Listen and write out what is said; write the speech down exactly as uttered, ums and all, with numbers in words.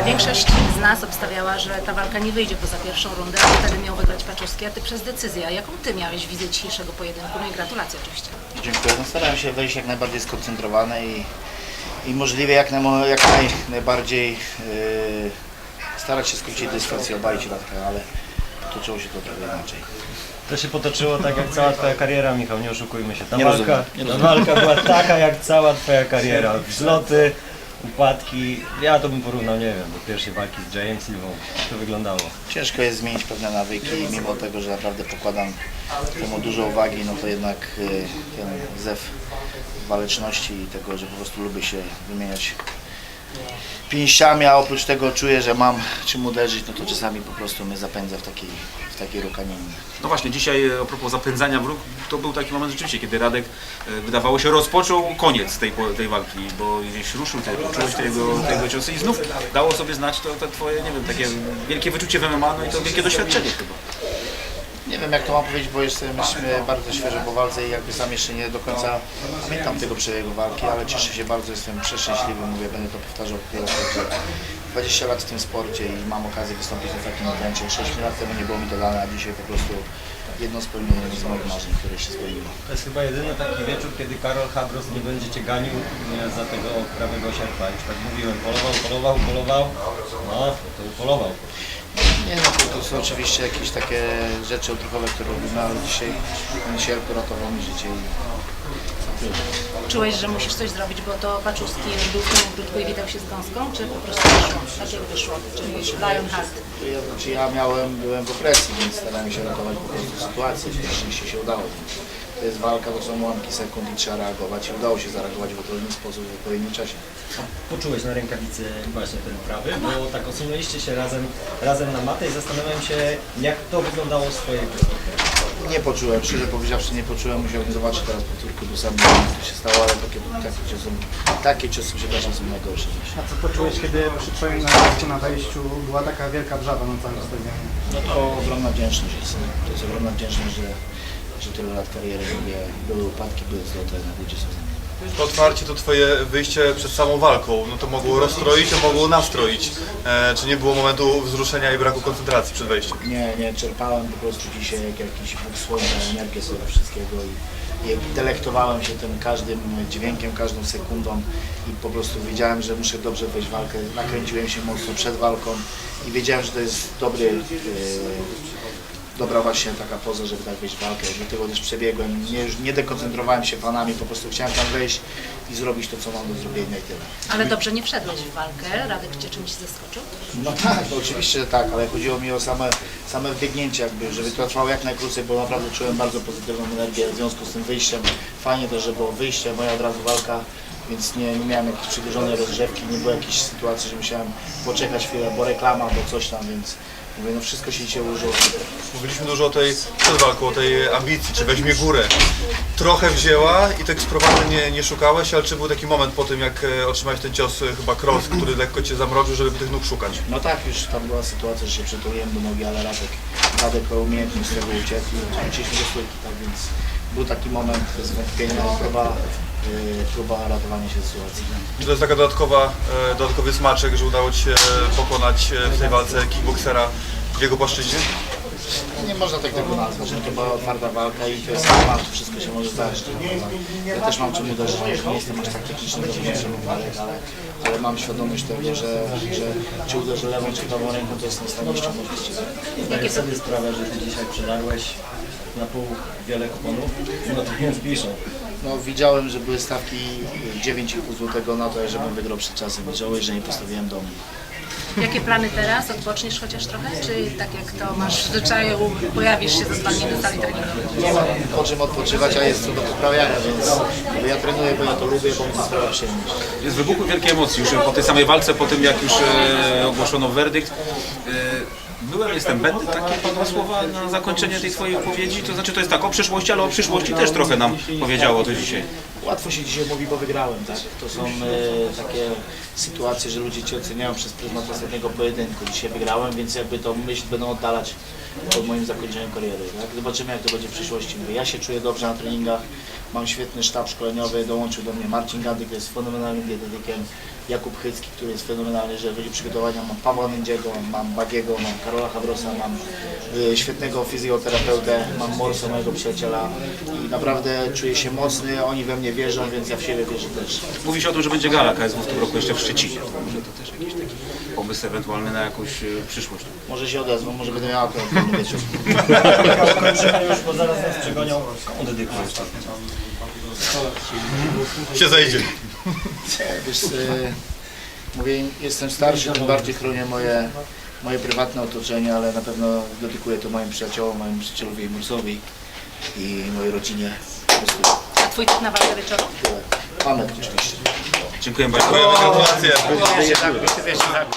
Większość z nas obstawiała, że ta walka nie wyjdzie poza pierwszą rundę, a wtedy miał wygrać Paczowski, a ty przez decyzję. A jaką ty miałeś wizję dzisiejszego pojedynku? No i gratulacje oczywiście. Dziękuję. No, starałem się wejść jak najbardziej skoncentrowany i, i możliwie jak, naj, jak naj, najbardziej yy, starać się skrócić dystans i obalić walkę, ale toczyło się to trochę inaczej. To się potoczyło tak jak cała twoja kariera, Michał, nie oszukujmy się. Ta Nie walka, rozumiem, nie ta rozumiem. walka była taka jak cała twoja kariera. Wzloty, upadki. Ja to bym porównał, nie wiem, do pierwszej walki z Jayem Silvą. Jak to wyglądało? Ciężko jest zmienić pewne nawyki, mimo tego, że naprawdę pokładam temu dużo uwagi, no to jednak yy, ten zew waleczności i tego, że po prostu lubię się wymieniać pięściami, a oprócz tego czuję, że mam czym uderzyć, no to czasami po prostu mnie zapędza w takiej, w takiej rukaninie. No właśnie, dzisiaj a propos zapędzania w róg, to był taki moment rzeczywiście, kiedy Radek e, wydawało się rozpoczął koniec tej, po- tej walki, bo gdzieś ruszył, te, poczułeś tego, tego ciosy i znów dało sobie znać to, to twoje, nie wiem, takie wielkie wyczucie w M M A, no i to wielkie doświadczenie chyba. Nie wiem jak to mam powiedzieć, bo jestem myśmy bardzo świeżo po walce i jakby sam jeszcze nie do końca pamiętam tego przebiegu walki, ale cieszę się bardzo, jestem przeszczęśliwy, mówię, będę to powtarzał wiele razy, że dwadzieścia lat w tym sporcie i mam okazję wystąpić na takim evencie. sześć lat temu nie było mi to dane, a dzisiaj po prostu jedno spełnienie z moich marzeń, które się spełniło. To jest chyba jedyny taki wieczór, kiedy Karol Habros nie będzie cię ganił nie, za tego prawego sierpa. Już tak mówiłem, polował, polował, polował. No, to upolował. Nie no, to, to są oczywiście jakieś takie rzeczy odruchowe, które robimy, ale dzisiaj ten sierp ratował mi życie i Czułeś, że musisz coś zrobić, bo to Paczowski był w tym ogródku i witał się z gąską, czy po prostu wyszło? Tak jak wyszło, czyli Lionheart. ja, znaczy ja miałem, byłem w opresji, więc starałem się ratować po prostu sytuację, szczęście się udało. To jest walka, to są ułamki sekund i trzeba reagować i udało się zareagować w odpowiedni sposób w odpowiednim czasie. Poczułeś na rękawicy właśnie ten prawy, bo tak osunęliście się razem, razem na matę i zastanawiam się, jak to wyglądało z twojej perspektywy. Nie poczułem, szczerze powiedziawszy nie poczułem, musiałbym zobaczyć teraz powtórkę, bo sam nie wiem co się stało, ale takie, takie ciosy, takie ciosy przepraszam są najgorsze. A co poczułeś, kiedy przy twoim najeździe na wejściu była taka wielka wrzawa na całym stadionie? No to ogromna wdzięczność jest, to jest ogromna wdzięczność, że, że tyle lat kariery robię, były upadki, były zloty, na ludzie są. To otwarcie, to twoje wyjście przed samą walką, no to mogło rozstroić, to mogło nastroić. E, czy nie było momentu wzruszenia i braku koncentracji przed wejściem? Nie, nie, czerpałem po prostu dzisiaj jak jakiś bóg słońca, energię z tego wszystkiego i, i delektowałem się tym każdym dźwiękiem, każdą sekundą i po prostu wiedziałem, że muszę dobrze wejść w walkę. Nakręciłem się mocno przed walką i wiedziałem, że to jest dobry, yy, dobra właśnie taka poza, żeby tak wejść w walkę. Dlatego też przebiegłem, nie, już nie dekoncentrowałem się fanami, po prostu chciałem tam wejść i zrobić to, co mam do zrobienia i tyle. Ale dobrze nie wszedłeś w walkę, Radek cię czymś zaskoczył? No tak, to oczywiście, że tak, ale chodziło mi o same, same wbiegnięcie jakby, żeby to trwało jak najkrócej, bo naprawdę czułem bardzo pozytywną energię w związku z tym wyjściem. Fajnie też, że było wyjście, moja od razu walka, więc nie, nie miałem jakiejś przedłużonej rozgrzewki, nie było jakiejś sytuacji, że musiałem poczekać chwilę, bo reklama, bo coś tam, więc mówię, no wszystko się dzisiaj ułożyło super. Mówiliśmy dużo o tej, przed walką, o tej ambicji, czy weźmie górę. Trochę wzięła i tak sprowadzenia nie, nie szukałeś, ale czy był taki moment po tym, jak e, otrzymałeś ten cios, e, chyba cross, który lekko cię zamroczył, żeby tych nóg szukać? No tak, już tam była sytuacja, że się przytuliłem do nogi, ale Radek, Radek umiejętnie z tego uciekł i wróciliśmy do stójki, tak więc był taki moment zwątpienia i próba, yy, próba ratowania się z sytuacji. Czy to jest taka dodatkowa, e, dodatkowy smaczek, że udało ci się pokonać e, w tej walce kickboksera w jego płaszczyźnie? Nie można tak tego nazwać, że to była otwarta walka i to jest temat, wszystko się może zdarzyć. Ja też mam czym uderzyć, nie jestem aż tak techniczny do wymiaru walek, ale, ale mam świadomość tego, że, że czy uderzę lewą czy prawą ręką, to jestem w stanie ściągnąć. Zdaję sobie sprawę, że ty dzisiaj przedarłeś na pół wiele kuponów, no to więc piszą. No widziałem, że były stawki dziewięć i pół złotego na to, żebym wygrał przed czasem i żałuję, że nie postawiłem domu. Jakie plany teraz? Odpoczniesz chociaż trochę? Czy tak jak to masz w zwyczaju, pojawisz się zostanie na sali treningowej? Nie mam po czym odpoczywać, a jest co do poprawiania, więc ja trenuję, bo ja to lubię, bo mi to sprawia przyjemność. Jest wybuchły wielkie emocje już po tej samej walce, po tym jak już e, ogłoszono werdykt. E, Byłem, jestem, będę, takie padły słowa na zakończenie tej twojej wypowiedzi, to znaczy to jest tak o przyszłości, ale o przyszłości też trochę nam powiedziało to dzisiaj. Łatwo się dzisiaj mówi, bo wygrałem, tak? To są e, takie sytuacje, że ludzie Cię oceniają przez pryzmat ostatniego pojedynku. Dzisiaj wygrałem, więc jakby tą myśl będą oddalać od moim zakończeniu kariery, tak? Zobaczymy, jak to będzie w przyszłości. Mówię, ja się czuję dobrze na treningach, mam świetny sztab szkoleniowy, dołączył do mnie Marcin Gandy, który jest fenomenalnym dietetykiem, Jakub Hycki, który jest fenomenalny, jeżeli chodzi o przygotowania, mam Pawła Mędziego, mam Bagiego, mam Karola Habrosa, mam y, świetnego fizjoterapeutę, mam Morsa, mojego przyjaciela i naprawdę czuję się mocny, oni we mnie wierzą, więc ja w siebie wierzę też. Mówi się o tym, że będzie gala K S W w tym roku jeszcze w Szczecinie. To może to też jakiś taki pomysł ewentualny na jakąś e, przyszłość. Może się odezwą, może będę miał akurat wolny wieczór. Kończymy już, bo zaraz nas przegonią. Komu dedykujesz czas? Się zejdzie. Wiesz, y, mówię, im, jestem starszy, tym bardziej chronię moje, moje prywatne otoczenie, ale na pewno dedykuję to moim przyjaciołom, mojemu przyjacielowi Mursowi i mojej rodzinie. Po prostu A twój typ na walkę wieczoru? tyle. Mamy oczywiście. Dziękuję bardzo. Gratulacje. Wiesz, tak, wiesz, tak.